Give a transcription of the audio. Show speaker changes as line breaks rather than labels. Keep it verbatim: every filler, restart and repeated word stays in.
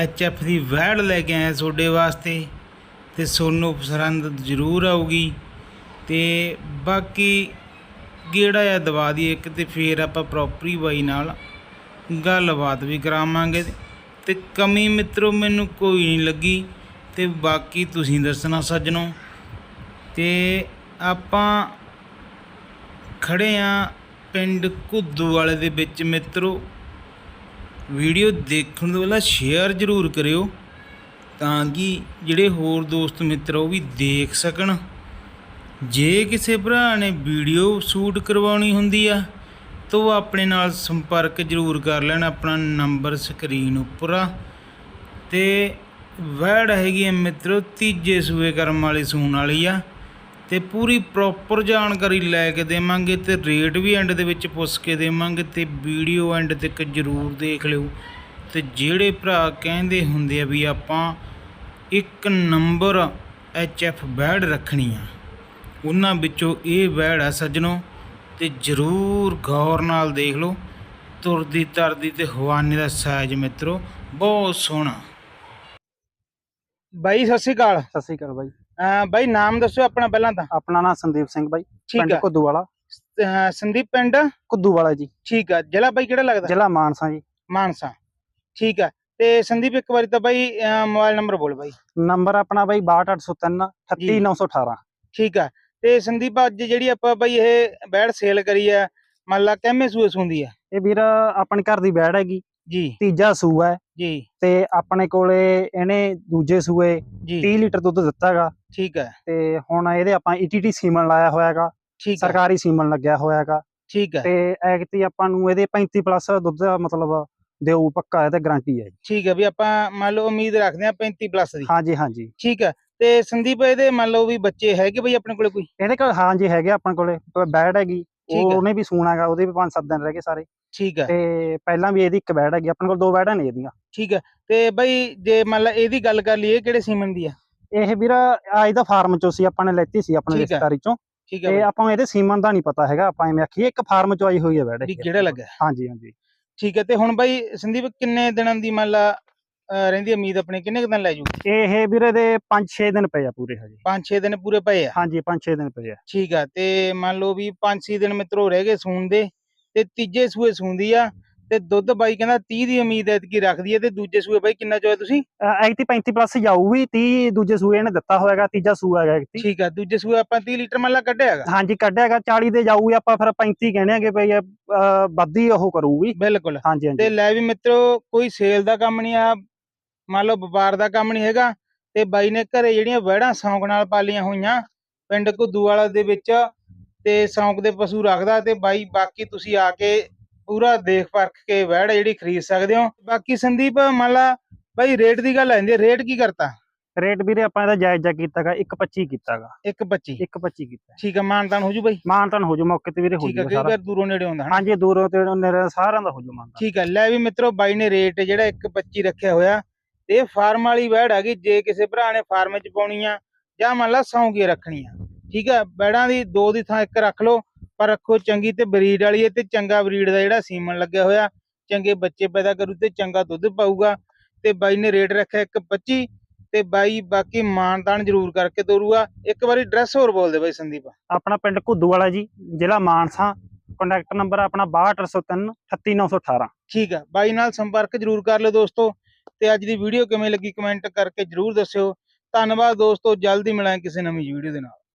H F की वैड़ लैके आए थोड़े वास्ते, तो सोनू पसंद जरूर आऊगी। तो बाकी गेड़ा या दवा दी एक, तो फिर आप प्रॉपरी बाई नाल गलबात भी करावांगे। तो कमी मित्रों मैनू कोई नहीं लगी, तो बाकी तुसीं दसना सज्जनों। तो आपां खड़े हाँ पिंड घुद्दूवाले दे विच मित्रों। वीडियो देखने तो पहला शेयर जरूर करियो तां कि जिहड़े होर दोस्त मित्र वो भी देख सकन। जे किसी भरा ने वीडियो शूट करवानी हुंदी आ तो वो अपने नाल संपर्क जरूर कर लेना, अपना नंबर स्क्रीन उपर आ। ते वैड़ हैगी मित्रों तीजे सूए करम वाली सूण वाली आ। ते पूरी प्रॉपर जानकारी लैके देवांगे, तो रेट भी एंड दे विच पुछ के देवांगे। तो वीडियो एंड तक जरूर देख लिओ। तो जिहड़े भरा कहंदे हुंदे आ भी आपां एक नंबर एच एफ वैड़ रखनी आ, उन्हां विचों ये वैड़ आ सज्जनों। तो जरूर गौर नाल देख लो, तुरदी तरदी ते हवाने दा साइज मित्रों बहुत सोहना। बाई सत श्री अकाल।
सत श्री अकाल बाई।
अह बाई नाम दस्सो अपना पहला तां।
अपना नाम संदीप सिंह बाई,
ठीक
पिंड
है।
घुद्दूवाला।
अह संदीप पिंड
घुद्दूवाला जी।
ठीक है। जिला बाई किहड़ा लगदा?
जिला मानसा जी।
मानसा ठीक है। ते संदीप एक बारी तां बाई मोबाइल नंबर बोल बाई।
नंबर अपना बाई बाहठ अठ सौ तीन अठत्ती नौ सौ अठारह।
ठीक है। ते संदीप अज जिहड़ी आपां बाई ये वैड़ सेल करी है मान ला किवें सूए सूंदी है?
ये वीर अपने घर दी वैड़ हैगी
जी,
तीजा सूआ है
जी।
ते अपने कोले इहने दूजे सूए
जी
तीह लीटर दुध दिता हैगा।
ठीक है।
ते हुण इहदे आपां ई टी टी सीमन लाया होया हैगा,
ठीक है।
सरकारी सीमन लग्या होया हैगा।
ठीक है।
ते ऐगती आपां नूं इहदे पैंती प्लस दुध दा मतलब देऊ पक्का है, गारंटी है।
ठीक है भी आपां मान लो उम्मीद रखते हैं पैंती प्लस दी।
हाँ जी हाँ जी।
ठीक है। ते संदीप इहदे मान लो भी बच्चे हैगे बई अपने कोले कोई?
इहदे कोल हाँ जी हैगे अपने कोले वैड़ हैगी,
ठीक है।
ਉਹਨੇ भी सूना हैगा, ਉਹਦੇ भी पांच सत्त दिन रह गए सारे।
ठीक है।
ਤੇ ਪਹਿਲਾਂ ਵੀ ਇਹਦੀ ਇੱਕ ਵੈੜ ਹੈਗੀ ਆਪਣੇ ਕੋਲ, ਦੋ ਵੈੜਾਂ ਨੇ ਇਹਦੀਆਂ।
ठीक है। ਤੇ ਬਈ ਜੇ ਮੰਨ ਲਾ ਇਹਦੀ ਗੱਲ ਕਰ ਲਈਏ ਕਿਹੜੇ ਸੀਮਨ ਦੀ ਆ?
ਇਹ ਵੀਰ ਅੱਜ ਦਾ ਫਾਰਮ ਚੋਂ ਸੀ, ਆਪਾਂ ਨੇ ਲੈਤੀ ਸੀ ਆਪਣੇ
ਠੀਕ ਹੈ।
ਰਿਸ਼ਤੇਦਾਰੀ ਚੋਂ।
ਠੀਕ ਹੈ
ਤੇ
ਬਈ
ਆਪਾਂ ਨੂੰ ਇਹਦੇ ਸੀਮਨ ਦਾ ਨਹੀਂ ਪਤਾ ਹੈਗਾ, ਆਪਾਂ ਐਵੇਂ ਆਖੀਏ ਇੱਕ ਫਾਰਮ ਚੋਂ ਆਈ ਹੋਈ ਹੈ ਵੈੜ
ਵੀ
ਇਹ।
ਕਿਹੜਾ ਲੱਗਾ?
ਹਾਂਜੀ ਹਾਂਜੀ।
ਠੀਕ ਹੈ। ਤੇ ਹੁਣ ਬਈ ਸੰਦੀਪ ਕਿੰਨੇ ਦਿਨਾਂ ਦੀ ਮੰਨ ਲਾ ਅਹ ਰਹਿੰਦੀ ਉਮੀਦ ਆਪਣੀ, ਕਿੰਨੇ ਕੁ ਦਿਨ ਲੈ ਜੂ?
ਇਹ ਵੀਰ ਇਹਦੇ ਪੰਜ ਛੇ ਦਿਨ ਪਏ ਆ ਪੂਰੇ ਹਜੇ।
ਪੰਜ ਛੇ ਦਿਨ ਪੂਰੇ ਪਏ ਆ?
ਹਾਂਜੀ ਪੰਜ ਛੇ ਦਿਨ ਪਏ ਆ।
ਠੀਕ ਆ। ਤੇ ਮੰਨ ਲਓ ਵੀ ਪੰਜ ਛੇ ਦਿਨ ਮਿੱਤਰੋ ਰਹਿ ਗਏ ਸੂਣ ਦੇ, ਤੇ ਤੀਜੇ ਸੂਏ ਸੂੰਦੀ ਆ। ਤੇ ਦੁੱਧ ਬਾਈ ਕਹਿੰਦਾ ਤੀਹ ਦੀ ਉਮੀਦ ਐਤਕੀ ਰੱਖਦੀ ਹੈ। ਤੇ ਦੂਜੇ ਸੂਏ ਬਾਈ ਕਿੰਨਾ ਚੋਇਆ ਤੁਸੀਂ?
ਐਗਤੀ ਪੈਂਤੀ ਪਲੱਸ ਜਾਊਗੀ, ਤੀਹ ਦੂਜੇ ਸੂਏ ਇਹਨੇ ਦਿੱਤਾ ਹੋਏਗਾ, ਤੀਜਾ ਸੂਆ ਹੈਗਾ ਐਗਤੀ।
ਠੀਕ ਆ। ਦੂਜੇ ਸੂਏ ਆਪਾਂ ਤੀਹ ਲੀਟਰ ਮੰਨ ਲਾ ਕੱਢਿਆ ਹੈਗਾ।
ਹਾਂਜੀ ਕੱਢਿਆ ਹੈਗਾ, ਚਾਲੀ ਦੇ ਜਾਊਗੀ, ਆਪਾਂ ਫਿਰ ਪੈਂਤੀ ਕਹਿੰਦੇ ਆਗੇ ਬਈ ਵੱਧੀ ਉਹ ਕਰੂਗੀ।
ਬਿਲਕੁਲ।
ਹਾਂਜੀ ਹਾਂਜੀ।
ਤੇ ਲੈ ਵੀ ਮਿੱਤਰੋ ਕੋਈ ਸੇਲ ਦਾ ਕੰਮ ਨਹੀਂ ਆ, ਮੰਨ ਲਓ ਵਪਾਰ ਦਾ ਕੰਮ ਨਹੀਂ ਹੈਗਾ। ਤੇ ਬਾਈ ਨੇ ਘਰੇ ਜਿਹੜੀਆਂ ਵੈੜਾਂ ਸੌਂਕ ਨਾਲ ਪਾਲੀਆਂ ਹੋਈਆਂ ਪਿੰਡ ਘੁੱਦੂਵਾਲਾ ਦੇ ਵਿੱਚ, ਤੇ ਸੌਂਕ ਦੇ ਪਸ਼ੂ ਰੱਖਦਾ। ਤੇ ਬਾਈ ਬਾਕੀ ਤੁਸੀਂ ਆ ਕੇ ਪੂਰਾ ਦੇਖ ਪਰਖ ਕੇ ਵੈੜ ਜਿਹੜੀ ਖਰੀਦ ਸਕਦੇ ਹੋ। ਬਾਕੀ ਸੰਦੀਪ ਮੰਨ ਲਾ ਬਾਈ ਰੇਟ ਦੀ ਗੱਲ ਆਂਦੀ, ਰੇਟ ਕੀ ਕਰਤਾ?
ਰੇਟ ਵੀਰੇ ਆਪਾਂ ਇਹਦਾ ਜਾਇਜ਼ਾ ਕੀਤਾਗਾ ਇੱਕ ਪੱਚੀ ਕੀਤਾਗਾ।
ਇੱਕ ਪੱਚੀ?
ਇੱਕ ਪੱਚੀ ਕੀਤਾ।
ਠੀਕ ਆ। ਮਾਨਤਾਨ ਹੋ ਜੂ ਬਾਈ?
ਮਾਨਤਾਨ ਹੋ ਜੂ ਮੌਕੇ ਤੇ ਵੀਰੇ, ਹੋ
ਠੀਕ ਆ।
ਜੂ
ਕਈ
ਸਾਰਾ।
ਵਾਰ ਦੂਰੋਂ ਨੇੜੇ ਆਉਂਦਾ ਹਨਾ?
ਹਾਂਜੀ ਦੂਰੋਂ ਤੇ ਨੇੜੇ ਸਾਰਿਆਂ ਦਾ ਹੋ ਜੂ ਮਾਨਤਾਨ।
ਠੀਕ ਆ। ਲੈ ਵੀ ਮਿੱਤਰੋ ਬਾਈ ਨੇ ਰੇਟ ਜਿਹੜਾ ਇੱਕ ਪੱਚੀ ਰੱਖਿਆ ਹੋਇਆ। ਤੇ ਇਹ ਫਾਰਮ ਵਾਲੀ ਵੈੜ ਹੈਗੀ, ਜੇ ਕਿਸੇ ਭਰਾ ਨੇ ਫਾਰਮ 'ਚ ਪਾਉਣੀ ਆ ਜਾਂ ਮੰਨ ਲਾ ਸੌਂਗੀ ਰੱਖਣੀ ਆ। ਠੀਕ ਆ। ਵੈੜਾਂ ਦੀ ਦੋ ਦੀ ਥਾਂ ਇੱਕ ਰੱਖ ਲਓ, ਪਰ ਰੱਖੋ ਚੰਗੀ ਤੇ ਬਰੀਡ ਵਾਲੀ ਹੈ। ਤੇ ਚੰਗਾ ਬਰੀਡ ਦਾ ਜਿਹੜਾ ਸੀਮਨ ਲੱਗਿਆ ਹੋਇਆ, ਚੰਗੇ ਬੱਚੇ ਪੈਦਾ ਕਰੂ ਤੇ ਚੰਗਾ ਦੁੱਧ ਪਾਊਗਾ। ਤੇ ਬਾਈ ਨੇ ਰੇਟ ਰੱਖਿਆ ਇੱਕ ਪੱਚੀ। ਤੇ ਬਾਈ ਬਾਕੀ ਮਾਨਤਾਨ ਜ਼ਰੂਰ ਕਰਕੇ ਤੋਰੂਗਾ। ਇੱਕ ਵਾਰੀ ਐਡਰੈਸ ਹੋਰ ਬੋਲ ਦੇ ਬਾਈ ਸੰਦੀਪ।
ਆਪਣਾ ਪਿੰਡ ਘੁੱਦੂਵਾਲਾ ਜੀ, ਜ਼ਿਲ੍ਹਾ ਮਾਨਸਾ। ਕੰਟੈਕਟ ਨੰਬਰ ਆਪਣਾ ਬਾਹਠ ਅੱਠ ਸੌ ਤਿੰਨ ਅਠੱਤੀ ਨੌ ਸੌ ਅਠਾਰਾਂ।
ਠੀਕ ਆ। ਬਾਈ ਨਾਲ ਸੰਪਰਕ ਜ਼ਰੂਰ ਕਰ ਲਿਓ ਦੋਸਤੋ। ਤੇ ਅੱਜ ਦੀ ਵੀਡੀਓ ਕਿਵੇਂ ਲੱਗੀ ਕਮੈਂਟ ਕਰਕੇ ਜ਼ਰੂਰ ਦੱਸਿਓ। ਧੰਨਵਾਦ ਦੋਸਤੋ। ਜਲਦੀ ਮਿਲਾਂਗੇ ਕਿਸੇ ਨਵੀਂ ਵੀਡੀਓ ਦੇ ਨਾਲ।